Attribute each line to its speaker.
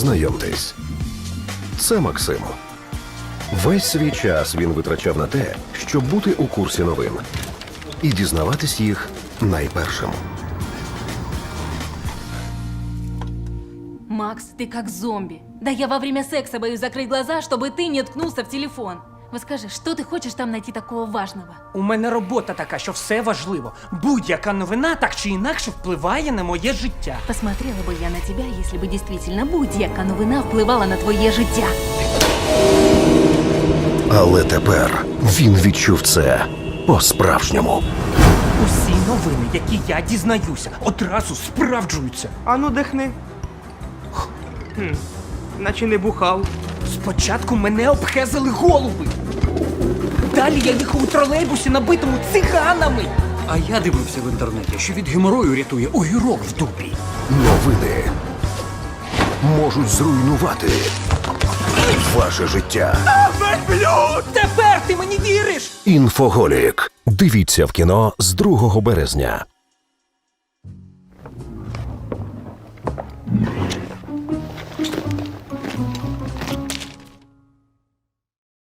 Speaker 1: Знайомтесь, це Максим. Весь свій час він витрачав на те, щоб бути у курсі новин і дізнаватись їх найпершим.
Speaker 2: Макс, ты как зомби. Да я во время секса боюсь закрыть глаза, чтобы ты не ткнулся в телефон. Вот скажи, что ты хочешь там найти такого важного?
Speaker 3: У мене робота така, що все важливо. Будь-яка новина так чи інакше впливає на моє життя.
Speaker 2: Посмотрела бы я на тебя, если бы действительно будь-яка новина впливала на твоє життя.
Speaker 1: Але тепер він відчув це по-справжньому.
Speaker 3: Усі новини, які я дізнаюся, одразу справджуються.
Speaker 4: Ану, дихни. Наче не бухав.
Speaker 3: Спочатку мене обхезали голуби. Далі я їхав у тролейбусі, набитому циганами.
Speaker 5: А я дивився в інтернеті, що від геморою рятує огірок в дублі.
Speaker 1: Новини можуть зруйнувати ваше життя.
Speaker 3: Тепер ти мені віриш?
Speaker 1: Інфоголік. Дивіться в кіно з 2 березня.